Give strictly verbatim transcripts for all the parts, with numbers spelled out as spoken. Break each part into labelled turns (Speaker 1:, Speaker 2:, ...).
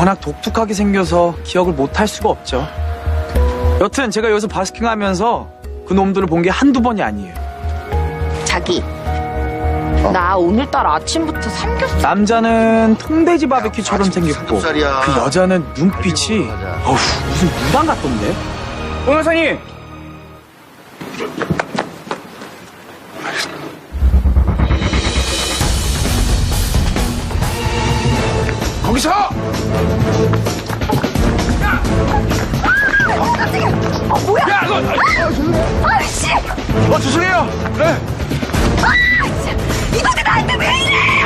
Speaker 1: 워낙 독특하게 생겨서 기억을 못할 수가 없죠. 여튼 제가 여기서 바스킹하면서 그 놈들을 본 게 한두 번이 아니에요.
Speaker 2: 자기, 나 오늘따라 아침부터 삼겹살.
Speaker 1: 남자는 통돼지 바베큐처럼 생겼고
Speaker 3: 삼겹살이야.
Speaker 1: 그 여자는 눈빛이 어후, 무슨 무당 같던데? 변호사님!
Speaker 3: 거기서!
Speaker 2: 어, 뭐야?
Speaker 3: 야, 너!
Speaker 2: 아이씨!
Speaker 3: 어, 죄송해요! 네.
Speaker 2: 아이씨! 이놈들 나한테 왜 이래!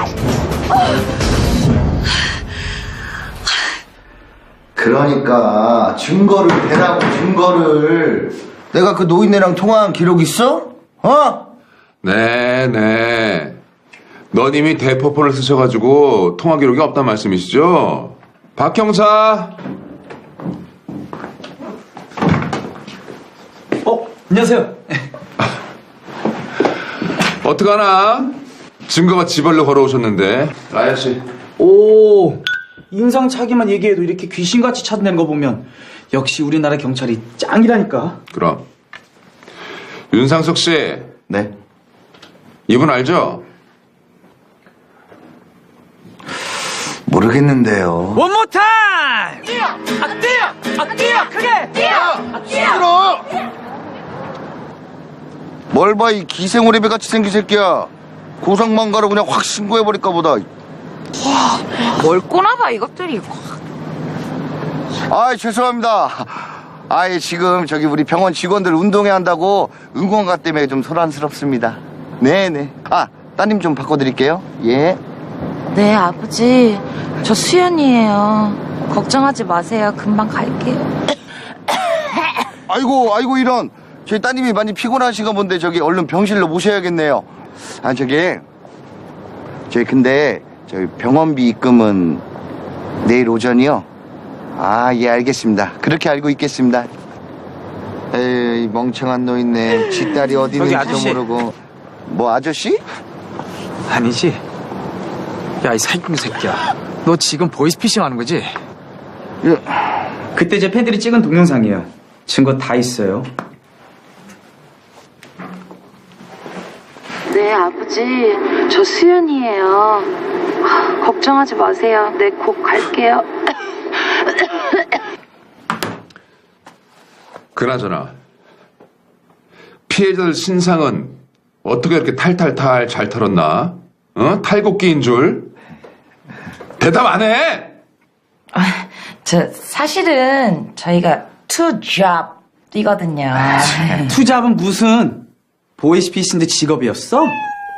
Speaker 3: 그러니까 증거를 대라고 증거를. 내가 그 노인네랑 통화한 기록 있어? 어?
Speaker 4: 네, 네. 넌 이미 대포폰을 쓰셔가지고 통화 기록이 없단 말씀이시죠? 박 형사.
Speaker 1: 어? 안녕하세요.
Speaker 4: 어떡하나? 증거가 지발로 걸어오셨는데. 라이아 씨.
Speaker 1: 오, 인상착의만 얘기해도 이렇게 귀신같이 찾아내는 거 보면 역시 우리나라 경찰이 짱이라니까.
Speaker 4: 그럼. 윤상석 씨.
Speaker 3: 네.
Speaker 4: 이분 알죠?
Speaker 3: 모르겠는데요.
Speaker 1: One more time! 뛰어! 아, 뛰어! 아, 뛰어! 크게! 뛰어! 아, 뛰어!
Speaker 3: 뭘 봐, 이 기생오래비 같이 생긴 새끼야. 고성망가로 그냥 확 신고해버릴까 보다.
Speaker 2: 뭘 꼬나봐, 이것들이.
Speaker 3: 아이, 죄송합니다. 아이, 지금 저기 우리 병원 직원들 운동회 한다고 응원가 때문에 좀 소란스럽습니다. 네네. 아, 따님 좀 바꿔드릴게요. 예.
Speaker 2: 네, 아버지. 저 수연이에요. 걱정하지 마세요. 금방 갈게요.
Speaker 3: 아이고, 아이고, 이런. 저희 따님이 많이 피곤하신가 본데 저기 얼른 병실로 모셔야겠네요. 아, 저기. 저희 근데 저희 병원비 입금은 내일 오전이요? 아, 예, 알겠습니다. 그렇게 알고 있겠습니다. 에이, 멍청한 노인네. 지 딸이 어디
Speaker 1: 저기
Speaker 3: 있는지도
Speaker 1: 아저씨.
Speaker 3: 모르고. 뭐, 아저씨?
Speaker 1: 아니지. 야, 이 사기꾼 새끼야. 너 지금 보이스피싱 하는 거지?
Speaker 3: 예.
Speaker 1: 그때 제 팬들이 찍은 동영상이에요. 증거 다 있어요.
Speaker 2: 네, 아버지. 저 수연이에요. 걱정하지 마세요. 네, 곧 갈게요.
Speaker 4: 그나저나. 피해자들 신상은 어떻게 이렇게 탈탈탈 잘 털었나? 어? 탈곡기인 줄? 대답 안 해!
Speaker 5: 아, 저 사실은 저희가 투 잡 뛰거든요.
Speaker 1: 투잡은 무슨 보이스피싱인데 직업이었어?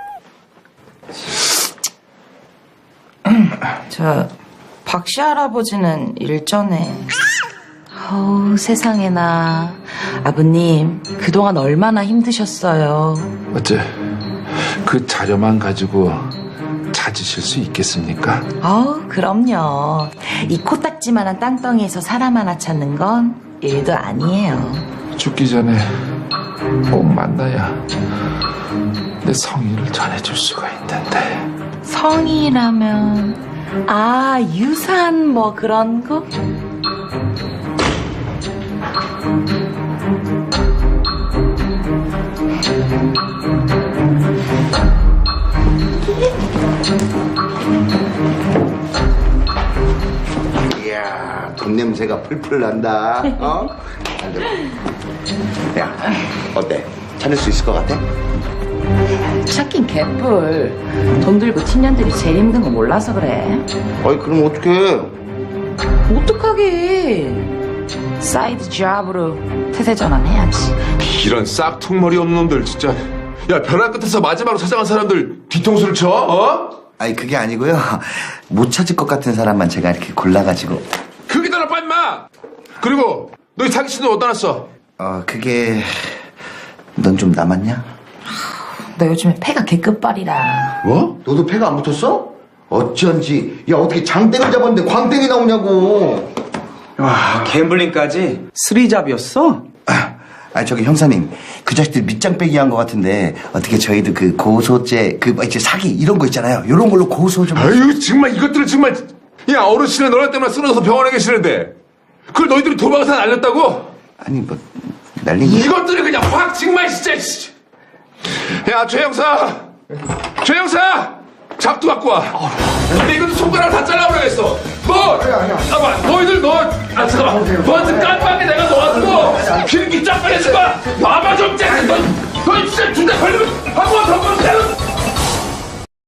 Speaker 5: 저 박씨 할아버지는 일전에 어우 세상에나 아버님 그동안 얼마나 힘드셨어요.
Speaker 6: 어째 그 자료만 가지고 찾으실 수 있겠습니까?
Speaker 5: 어우 그럼요. 이 코딱지만한 땅덩이에서 사람 하나 찾는 건 일도 아니에요.
Speaker 6: 죽기 전에 꼭 만나야 내 성의를 전해줄 수가 있는데.
Speaker 5: 성이라면 아 유산 뭐 그런 거?
Speaker 3: 이야, 돈 냄새가 풀풀 난다. 어? 잘 들어. 야, 어때? 찾을 수 있을 것 같아?
Speaker 5: 찾긴 개뿔. 돈 들고 틴년들이 제일 힘든 거 몰라서 그래.
Speaker 3: 아이, 그럼 어떡해?
Speaker 5: 어떡하게. 사이드 잡으로 태세 전환해야지.
Speaker 4: 이런 싹퉁머리 없는 놈들 진짜. 야, 벼랑 끝에서 마지막으로 찾아간 사람들 뒤통수를 쳐? 어?
Speaker 3: 아니, 그게 아니고요. 못 찾을 것 같은 사람만 제가 이렇게 골라가지고.
Speaker 4: 그게 더 나빠 임마. 그리고 너희 사기친들 어디다 놨어?
Speaker 3: 어, 그게 넌 좀 남았냐?
Speaker 5: 너 요즘에 패가 개끝발이라.
Speaker 4: 뭐?
Speaker 3: 너도 패가 안 붙었어? 어쩐지. 야, 어떻게 장땡을 잡았는데 광땡이 나오냐고.
Speaker 1: 와, 갬블링까지 쓰리잡이었어?
Speaker 3: 아, 저기 형사님, 그 자식들 밑장 빼기 한 것 같은데 어떻게 저희도 그 고소죄, 그 뭐 이제 사기 이런 거 있잖아요. 이런 걸로 고소 좀.
Speaker 4: 아유 정말 이것들을 정말. 야, 어르신은 너네 때문에 쓰러져서 병원에 계시는데 그걸 너희들이 도망가서 날렸다고?
Speaker 3: 아니 뭐 날린 거.
Speaker 4: 이것들이 그냥 확 정말 진짜. 씨. 야, 최 형사, 최 형사, 작두 갖고 와. 근데 이것도 손가락 다 잘라버려야겠어. 너, 잠깐만, 너희들 너, 아 잠깐만, 너한테 깜빡이 내가 너한테 필기 쫙 빼내줄 거야. 봐봐 좀 째. 너, 너 진짜 중대 걸리면 한번 더 보면 되는